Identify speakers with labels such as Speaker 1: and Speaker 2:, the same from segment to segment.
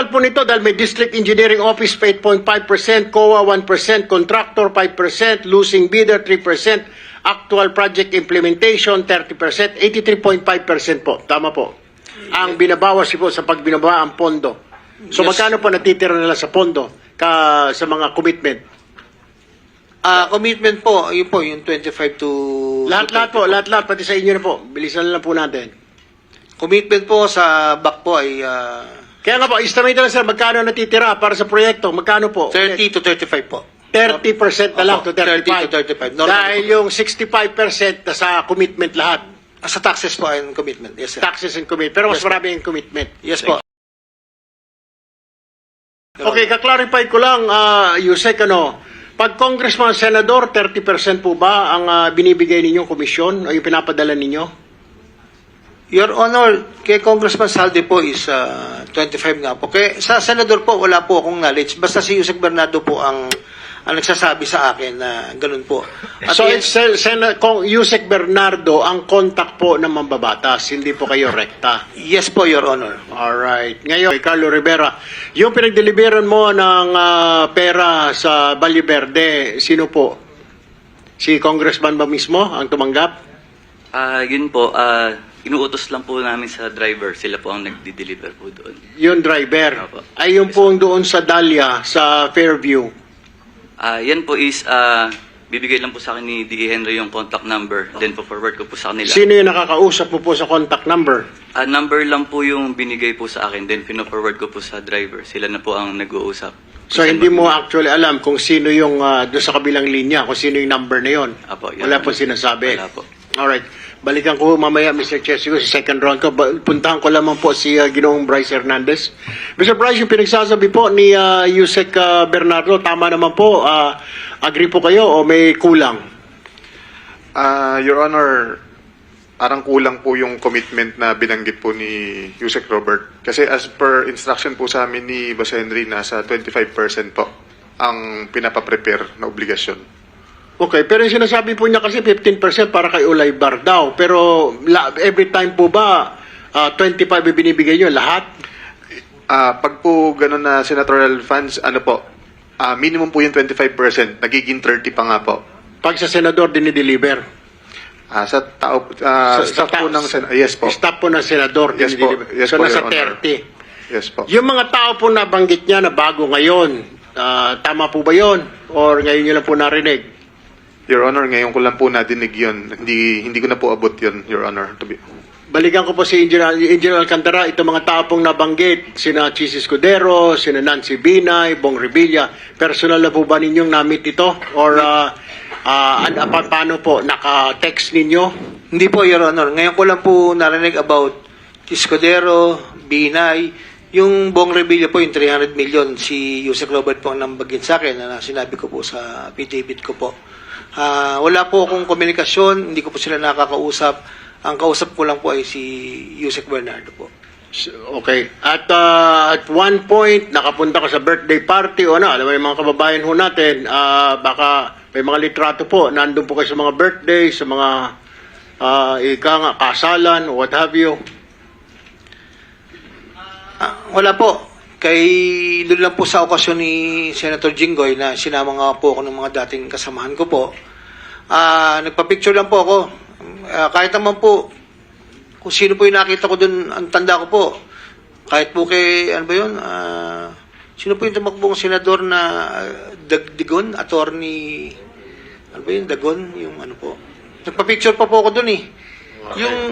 Speaker 1: total po nito, dahil may District Engineering Office pa 8.5%, COA 1%, Contractor 5%, Losing Bidder 3%, Actual Project Implementation 30%, 83.5% po. Tama po. Ang binabawas po sa pagbinaba ang pondo. So
Speaker 2: Yes.
Speaker 1: magkano po natitira nila sa pondo sa mga commitment?
Speaker 2: Commitment po, yun po, yung 25 to...
Speaker 1: Lahat-lahat po, lahat-lahat, pati sa inyo na po. Bilisan na lang po natin.
Speaker 2: Commitment po sa back po ay
Speaker 1: Kaya nga po, estimate na lang sir, magkano natitira para sa proyekto? Magkano po?
Speaker 2: 30 to 35 po.
Speaker 1: 30% na lang to
Speaker 2: Opo,
Speaker 1: 35.
Speaker 2: 30 to 35. Normal
Speaker 1: Dahil
Speaker 2: po.
Speaker 1: yung 65% na sa commitment lahat.
Speaker 2: Sa taxes po and commitment. Yes, sir.
Speaker 1: Taxes and commitment. Pero mas
Speaker 2: Yes, po.
Speaker 1: marami yung commitment.
Speaker 2: Yes po.
Speaker 1: Okay, kaklarify ko lang, Yusek, pag congressman, senador, 30% po ba ang binibigay ninyong komisyon o yung pinapadala ninyo?
Speaker 2: Your Honor, kay Congressman Saldi po is 25 nga po. Kay sa Senador po, wala po akong knowledge. Basta si Yusek Bernardo po ang nagsasabi sa akin na ganun po. At
Speaker 1: So,
Speaker 2: yun-
Speaker 1: it's Yusek Bernardo ang contact po ng mambabatas, hindi po kayo rekta.
Speaker 2: yes po, Your Honor.
Speaker 1: Alright. Ngayon, Carlo Rivera, yung pinagdeliveran mo ng pera sa Valle Verde, sino po? Si Congressman ba mismo ang tumanggap?
Speaker 3: Yun po, inuutos lang po namin sa driver. Sila po ang nagdi-deliver po doon.
Speaker 1: Yung driver.
Speaker 3: Opo.
Speaker 1: Ay, yung po doon sa Dahlia, sa Fairview.
Speaker 3: Yan po is, bibigay lang po sa akin ni D.E. Henry yung contact number. Then po forward ko po sa kanila.
Speaker 1: Sino yung nakakausap mo po sa contact number?
Speaker 3: Number lang po yung binigay po sa akin. Then pino-forward ko po sa driver. Sila na po ang nag-uusap.
Speaker 1: So, hindi mo actually alam kung sino yung doon sa kabilang linya, kung sino yung number na yon.
Speaker 3: Apo, yun.
Speaker 1: Wala po sinasabi.
Speaker 3: Wala po.
Speaker 1: Alright. Balikan ko mamaya, Mr. Chesico, sa second round ko. Puntahan ko lamang po si Ginoong Bryce Hernandez. Mr. Bryce, yung pinagsasabi po ni Yusek Bernardo, tama naman po. Agree po kayo o may kulang?
Speaker 4: Your Honor, parang kulang po yung commitment na binanggit po ni Yusek Robert. Kasi as per instruction po sa amin ni Boss Henry, nasa 25% po ang pinapaprepare na obligasyon.
Speaker 1: Okay, pero yung sinasabi po niya kasi 15% para kay Ulay Bar daw. Pero every time po ba 25 binibigay niyo lahat?
Speaker 4: Pag po gano'n na senatorial funds, minimum po yung 25%, nagiging 30 pa nga po.
Speaker 1: Pag sa senador dinideliver?
Speaker 4: Sa tao, staff po ng yes po.
Speaker 1: Staff po ng senador
Speaker 4: Yes po.
Speaker 1: dinideliver.
Speaker 4: Yes
Speaker 1: So
Speaker 4: po,
Speaker 1: nasa
Speaker 4: Your Honor.
Speaker 1: 30.
Speaker 4: Yes po.
Speaker 1: Yung mga tao po nabanggit niya na bago ngayon, tama po ba yon? Or ngayon niyo lang po narinig?
Speaker 4: Your Honor, ngayon ko lang po nadinig yun. Hindi ko na po abot yun, Your Honor.
Speaker 1: Balikan ko po si Engineer Alcantara, itong mga tao pong nabanggit, sina Chis Escudero, sina Nancy Binay, Bong Revilla, personal na po ba ninyong na-meet ito? Or paano po, naka-text ninyo?
Speaker 2: Hindi po, Your Honor. Ngayon ko lang po narinig about Escudero, Binay, yung Bong Revilla po, yung 300 million, si Yusek Robert po ang nambagin sa akin na sinabi ko po sa affidavit ko po. Wala po akong komunikasyon, hindi ko po sila nakakausap. Ang kausap ko lang po ay si Yusek Bernardo po.
Speaker 1: Okay. At one point, nakapunta ka sa birthday party o alam mo yung mga kababayan ho natin, baka may mga litrato po, nandun po kayo sa mga birthday, sa mga kasalan, what have you.
Speaker 2: Wala po. Doon lang po sa okasyon ni Senator Jinggoy na sinama nga po ako ng mga dating kasamahan ko po. Nagpa-picture lang po ako. Kahit naman po, kung sino po yung nakita ko doon, ang tanda ko po. Kahit po kay, sino po yung tumakbong senador na Digon, attorney, Dagon, yung po. Nagpa-picture pa po ako doon eh. Yung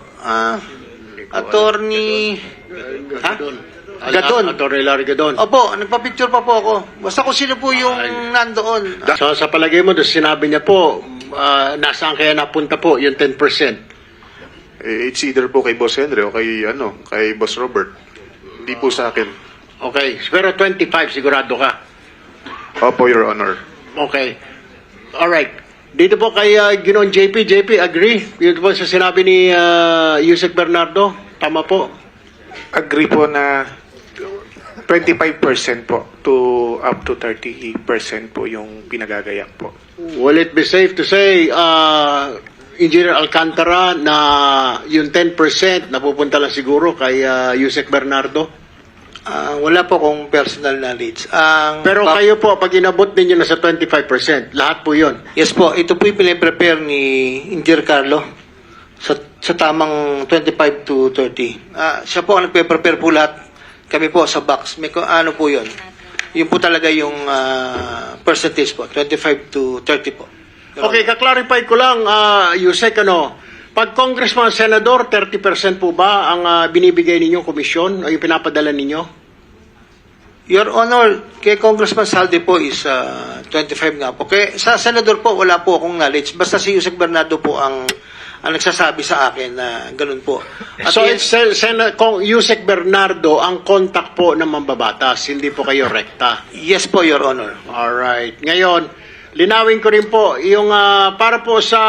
Speaker 2: attorney, Gadon.
Speaker 1: Attorney Larry Gadon.
Speaker 2: Opo, nagpa-picture pa po ako. Basta kung sino po yung nandoon.
Speaker 1: So sa palagay mo, doon sinabi niya po, nasaan kaya napunta po yung 10%?
Speaker 4: It's either po kay Boss Henry o kay Boss Robert. Hindi po sa akin.
Speaker 1: Okay. Pero 25 sigurado ka.
Speaker 4: Opo, Your Honor.
Speaker 1: Okay. Alright. Dito po kay Ginoong JP. JP, agree? Dito po sa sinabi ni Yusek Bernardo. Tama po.
Speaker 5: Agree po na 25% po to up to 30% po yung pinagagayak po.
Speaker 1: Will it be safe to say, Engineer Alcantara, na yung 10% napupunta lang siguro kay Yusek Bernardo?
Speaker 2: Wala po akong personal knowledge.
Speaker 1: Pero kayo po, pag inabot ninyo na sa 25%, lahat po yun.
Speaker 2: Yes po, ito po yung pinaprepare ni Engineer Carlo sa tamang 25 to 30. Siya po ang nagpe-prepare po lahat. Kami po sa box. May ano po yun. Yun po talaga yung percentage po, 25 to 30 po.
Speaker 1: Okay, kaklarify ko lang, Yusek, pag congressman, senador, 30% po ba ang binibigay ninyong komisyon o yung pinapadala ninyo?
Speaker 2: Your Honor, kay Congressman Saldi po is 25 nga po. Kay sa senador po, wala po akong knowledge. Basta si Yusek Bernardo po ang nagsasabi sa akin na ganun po. At
Speaker 1: So,
Speaker 2: yan-
Speaker 1: it's Yusek Bernardo ang contact po ng mambabatas, hindi po kayo rekta.
Speaker 2: yes po, Your Honor.
Speaker 1: Alright. Ngayon, linawin ko rin po, yung para po sa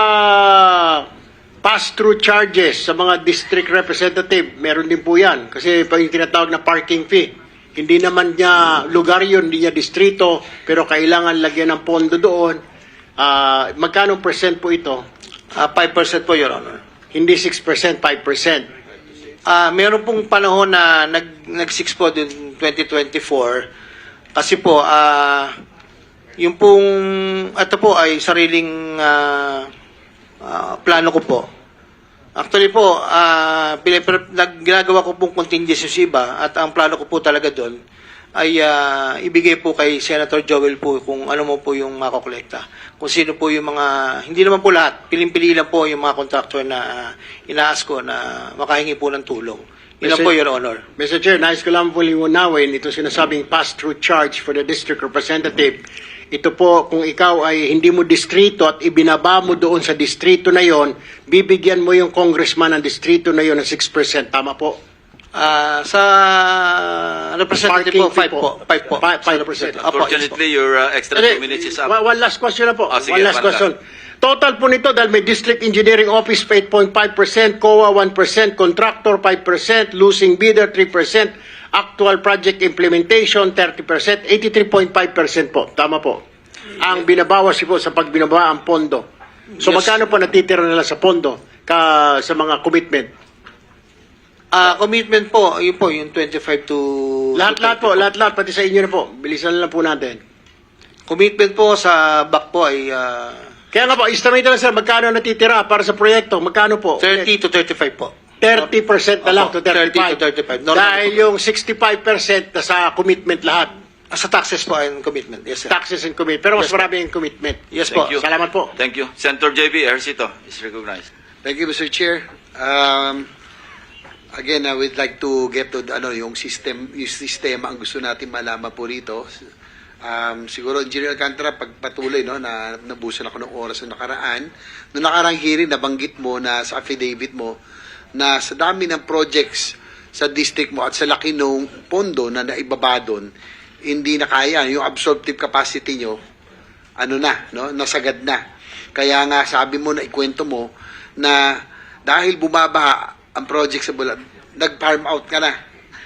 Speaker 1: pass-through charges sa mga district representative, meron din po yan. Kasi pa yung tinatawag na parking fee. Hindi naman niya lugar yun, hindi niya distrito, pero kailangan lagyan ng pondo doon. Magkano percent po ito?
Speaker 2: 5% po, Your Honor.
Speaker 1: Hindi 6%, 5%.
Speaker 2: Meron pong panahon na nag-6 po din 2024 kasi po yung pong ito po ay sariling plano ko po. Actually po, ginagawa ko pong contingency sa iba at ang plano ko po talaga doon ay ibigay po kay Senator Joel po kung ano mo po yung makokolekta. Kung sino po yung mga, hindi naman po lahat, piling-pili lang po yung mga contractor na inaas ko na makahingi po ng tulong. Yun lang po, Your Honor.
Speaker 1: Mr. Chair, nais ko lang po liwanawin ito sinasabing pass-through charge for the district representative. Ito po, kung ikaw ay hindi mo distrito at ibinaba mo doon sa distrito na yon, bibigyan mo yung congressman ng distrito na yon ng 6%. Tama po?
Speaker 2: Sa representative po, 5 po. 5 po.
Speaker 1: 5%.
Speaker 2: Apo,
Speaker 3: Unfortunately, your extra 2 minutes is up.
Speaker 1: One last question na po.
Speaker 3: Sige,
Speaker 1: One last
Speaker 3: one
Speaker 1: question. Total po nito dahil may District Engineering Office pa 8.5%, COA 1%, Contractor 5%, Losing Bidder 3%, Actual Project Implementation 30%, 83.5% po. Tama po. Ang binabawas po sa pagbinaba ang pondo. So
Speaker 2: Yes.
Speaker 1: magkano po natitira nila sa pondo sa mga commitment?
Speaker 2: commitment po, yun po, yung 25 to...
Speaker 1: Lahat-lahat po, lahat-lahat, pati sa inyo na po. Bilisan na lang po natin.
Speaker 2: Commitment po sa back po ay
Speaker 1: Kaya nga po, estimate na lang sir, magkano natitira para sa proyekto? Magkano po?
Speaker 2: 30 to 35 po.
Speaker 1: 30% na lang to
Speaker 2: Opo,
Speaker 1: 35.
Speaker 2: 30 to 35. Normal
Speaker 1: Dahil
Speaker 2: po.
Speaker 1: yung 65% na sa commitment lahat.
Speaker 2: Sa taxes po ay commitment. Yes, sir.
Speaker 1: Taxes and commitment. Pero mas
Speaker 2: Yes, po.
Speaker 1: marami yung commitment.
Speaker 2: Yes po.
Speaker 3: Thank you.
Speaker 1: Salamat po.
Speaker 3: Thank you. Senator JB Ejercito is recognized.
Speaker 6: Thank you, Mr. Chair. Again, I would like to get to yung sistema ang gusto natin malaman po rito. Siguro, Engineer Alcantara, pagpatuloy, na nabusan ako ng oras na nakaraan. Noong nakarang hearing, nabanggit mo na sa affidavit mo na sa dami ng projects sa district mo at sa laki ng pondo na naibaba doon, hindi na kaya. Yung absorptive capacity nyo, nasagad na. Kaya nga, sabi mo na ikwento mo na dahil bumabaha ang project sa Bulag, nag-farm out ka na.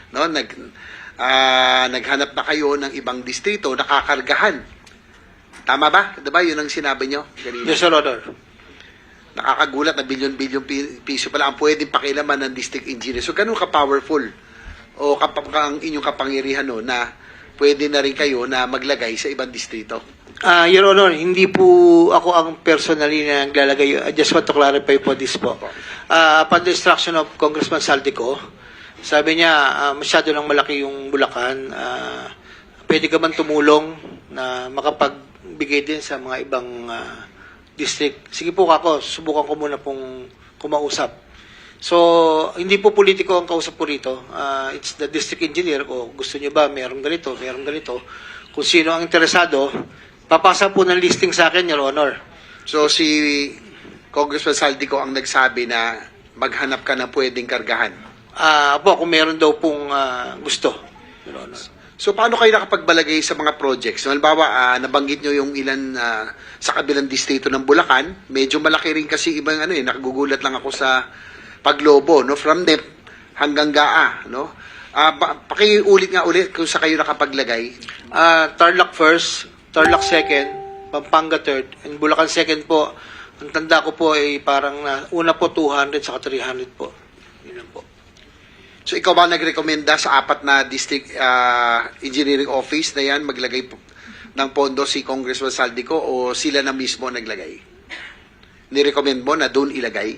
Speaker 6: Naghanap na kayo ng ibang distrito, nakakargahan. Tama ba? Diba yun ang sinabi nyo? Kanina?
Speaker 2: Yes, Sir Honor.
Speaker 6: Nakakagulat na bilyon-bilyon piso pala ang pwedeng pakilaman ng district engineer. So, ganun ka-powerful o ang inyong kapangyarihan na pwede na rin kayo na maglagay sa ibang distrito.
Speaker 2: Your Honor, hindi po ako ang personally na naglalagay. I just want to clarify po this po. Upon the instruction of Congressman Saldico, sabi niya, masyado lang malaki yung Bulacan. Pwede ka man tumulong na makapagbigay din sa mga ibang district. Sige po ako, subukan ko muna pong kumausap. So, hindi po politiko ang kausap po rito. It's the district engineer ko. Gusto niyo ba merong ganito, merong ganito. Kung sino ang interesado, papasa po ng listing sa akin, Your Honor.
Speaker 6: So, si Congressman Saldico ang nagsabi na maghanap ka ng pwedeng kargahan.
Speaker 2: Kung meron daw pong gusto, Your Honor.
Speaker 6: So, paano kayo nakapagbalagay sa mga projects? Halimbawa, nabanggit nyo yung ilan sa kabilang distrito ng Bulacan. Medyo malaki rin kasi ibang nakagugulat lang ako sa Paglobo, from NEP hanggang GAA, pakiulit nga ulit kung sa kayo nakapaglagay.
Speaker 2: Tarlac first, Tarlac second, Pampanga third, and Bulacan second po. Ang tanda ko po ay parang una po 200 saka 300 po. Yun lang po.
Speaker 6: So ikaw ba nagrekomenda sa apat na district engineering office na yan maglagay ng pondo si Congressman Saldico o sila na mismo naglagay? Nirecommend mo na doon ilagay?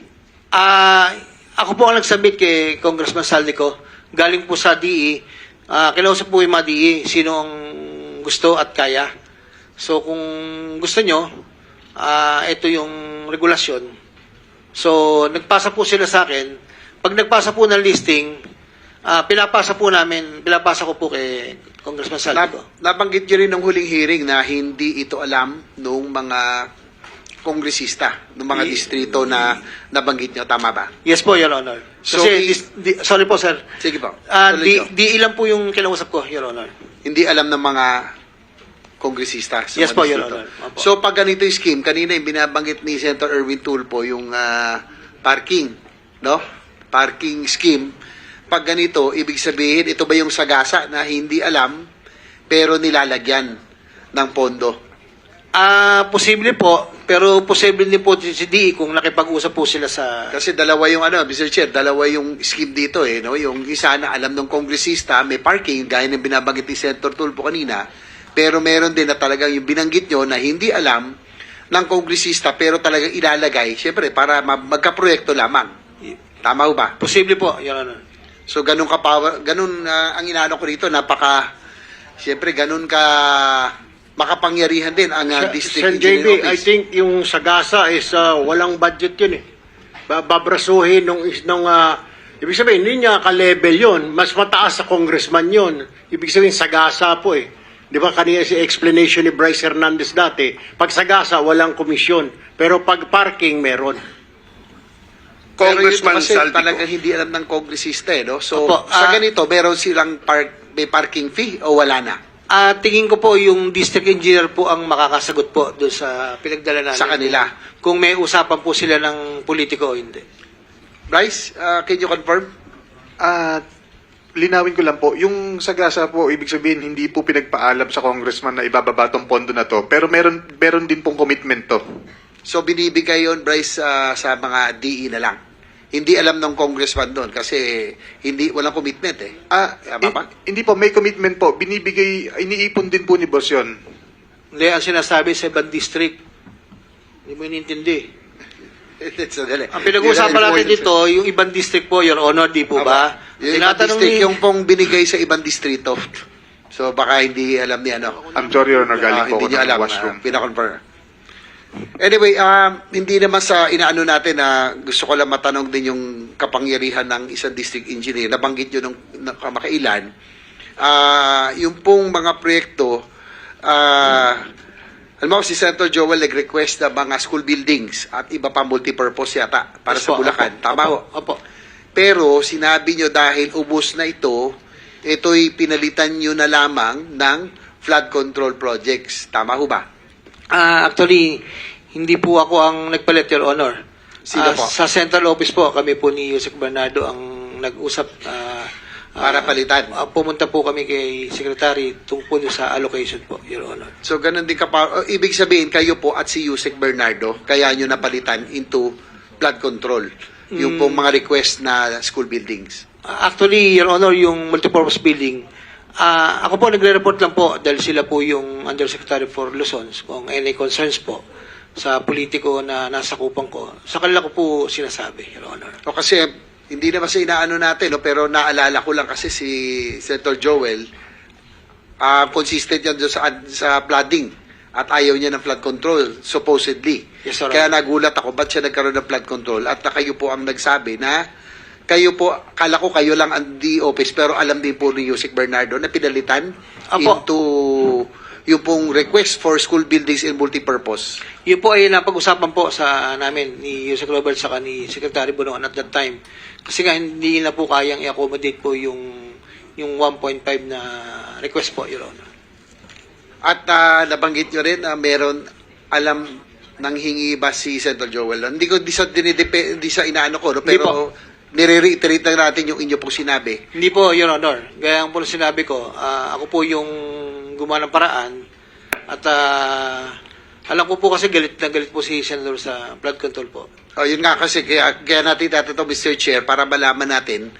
Speaker 2: Ako po ang nagsubmit kay Congressman Saldico. Galing po sa DE. Kinausap po yung mga DE. Sino ang gusto at kaya. So kung gusto nyo, ito yung regulasyon. So nagpasa po sila sa akin. Pag nagpasa po ng listing, pinapasa ko po kay Congressman Saldico.
Speaker 6: Nabanggit nyo rin ng huling hearing na hindi ito alam nung mga kongresista, ng mga distrito na nabanggit nyo. Tama ba?
Speaker 2: Yes po, Your Honor.
Speaker 6: So,
Speaker 2: Kasi, sorry po, sir.
Speaker 6: Sige po.
Speaker 2: Di
Speaker 6: Tuloy nyo.
Speaker 2: ilan po yung kinausap ko, Your Honor.
Speaker 6: Hindi alam ng mga kongresista. Sa
Speaker 2: Yes
Speaker 6: mga
Speaker 2: po, Your
Speaker 6: distrito.
Speaker 2: Honor. Opo.
Speaker 6: So, pag ganito yung scheme, kanina yung binabanggit ni Senator Erwin Tulfo, yung parking, no? Parking scheme. Pag ganito, ibig sabihin, ito ba yung sagasa na hindi alam, pero nilalagyan ng pondo?
Speaker 2: Posible po, pero posible din po si DE kung nakipag-usap po sila sa...
Speaker 6: Kasi dalawa yung Mr. Chair, dalawa yung scheme dito no? Yung isa na alam ng kongresista, may parking, gaya ng binabanggit ni Senator Tulfo kanina, pero meron din na talagang yung binanggit nyo na hindi alam ng kongresista, pero talagang ilalagay, syempre, para magka-proyekto lamang. Tama ho ba?
Speaker 2: Posible po, Your Honor.
Speaker 6: So, ganun ang inaano ko rito, syempre, ganun ka makapangyarihan din ang district
Speaker 1: Sir
Speaker 6: engineer
Speaker 1: JB, I
Speaker 6: office.
Speaker 1: think yung Sagasa is walang budget yun eh. Babrasuhin ibig sabihin, hindi niya ka-level yun. Mas mataas sa congressman yun. Ibig sabihin, Sagasa po eh. Di ba kanina si explanation ni Bryce Hernandez dati, pag Sagasa, walang komisyon. Pero pag parking, meron.
Speaker 6: Pero yun
Speaker 5: Congressman
Speaker 6: kasi
Speaker 5: Saldico.
Speaker 6: talagang hindi alam ng kongresista no? So,
Speaker 2: Opo,
Speaker 6: sa ganito, meron silang may parking fee o wala na?
Speaker 2: Tingin ko po yung district engineer po ang makakasagot po doon sa pinagdala namin.
Speaker 6: Sa kanila.
Speaker 2: Kung may usapan po sila ng politiko o hindi.
Speaker 6: Bryce, can you confirm?
Speaker 4: Linawin ko lang po, yung Sagasa po, ibig sabihin, hindi po pinagpaalam sa congressman na ibababa tong pondo na to, pero meron din pong commitment to.
Speaker 6: So, binibigay yon Bryce, sa mga DE na lang. Hindi alam ng congressman doon kasi walang commitment eh. Tama ba?
Speaker 4: Hindi po, may commitment po. Iniipon din po ni boss yun.
Speaker 2: Hindi, ang sinasabi sa ibang district. Hindi mo inintindi.
Speaker 6: Sandali.
Speaker 2: Ang pinag-uusapan natin dito, yung ibang district po, Your Honor, di po ba?
Speaker 6: Yung ibang district, yung pong binigay sa ibang distrito. So, baka hindi alam ni
Speaker 4: I'm sorry, Your Honor, galing po
Speaker 6: hindi
Speaker 4: ako
Speaker 6: niyo
Speaker 4: ng
Speaker 6: alam.
Speaker 4: washroom.
Speaker 6: Pinakonfirm. Anyway, hindi naman sa inaano natin na gusto ko lang matanong din yung kapangyarihan ng isang district engineer. Nabanggit nyo nung kamakailan. Yung pong mga proyekto, alam mo, si Senator Joel nag-request na mga school buildings at iba pa multipurpose yata para
Speaker 2: Yes
Speaker 6: sa
Speaker 2: po,
Speaker 6: Bulacan.
Speaker 2: opo,
Speaker 6: Tama ho?
Speaker 2: Opo.
Speaker 6: Pero sinabi nyo dahil ubos na ito'y pinalitan nyo na lamang ng flood control projects. Tama ho ba?
Speaker 2: Actually, hindi po ako ang nagpalit, Your Honor.
Speaker 6: Sino po?
Speaker 2: Sa central office po, kami po ni Yusek Bernardo ang nag-usap.
Speaker 6: Para palitan.
Speaker 2: Pumunta po kami kay Secretary tungkol sa allocation po, Your Honor.
Speaker 6: So, ganun din ibig sabihin, kayo po at si Yusek Bernardo, kaya nyo napalitan into flood control. Yung pong mga request na school buildings.
Speaker 2: Actually, Your Honor, yung multipurpose building, ako po nagre-report lang po dahil sila po yung Undersecretary for Luzon kung any concerns po sa politiko na nasa kupang ko. Sa kanila ko po sinasabi, Your Honor.
Speaker 6: O kasi, hindi naman sa inaano natin, no? Pero naalala ko lang kasi si Senator Joel, consistent yan doon sa flooding at ayaw niya ng flood control, supposedly.
Speaker 2: Yes, sir.
Speaker 6: Kaya nagulat ako, ba't siya nagkaroon ng flood control? At na kayo po ang nagsabi na kayo po, kala ko kayo lang ang office, pero alam din po ni Yusek Bernardo na pinalitan into yung pong request for school buildings and multipurpose.
Speaker 2: Yun po ay napag-usapan po sa namin ni Yusek Robert saka ni Secretary Bonoan at that time. Kasi nga hindi na po kayang i-accommodate po yung 1.5 na request po, Your Honor.
Speaker 6: At nabanggit nyo rin na meron alam nang hingi ba si Senator Joel? Hindi sa inaano ko, no?
Speaker 2: Hindi
Speaker 6: Pero nire-reiterate lang natin yung inyo pong sinabi.
Speaker 2: Hindi po, Your Honor. Gaya po sinabi ko, ako po yung gumawa ng paraan at alam ko po kasi galit na galit po si Senator sa flood control po.
Speaker 6: Yun nga kasi, kaya natin ito, Mr. Chair, para malaman natin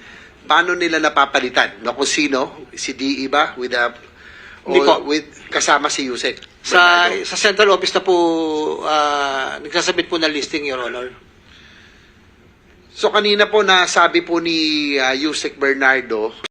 Speaker 6: paano nila napapalitan? No, kung sino? Si DE ba?
Speaker 2: Hindi po.
Speaker 6: Kasama si Yusek?
Speaker 2: Sa
Speaker 6: Bernardo?
Speaker 2: sa central office na po, nagsasabit po ng listing, Your Honor.
Speaker 6: So kanina po nasabi po ni Yusek Bernardo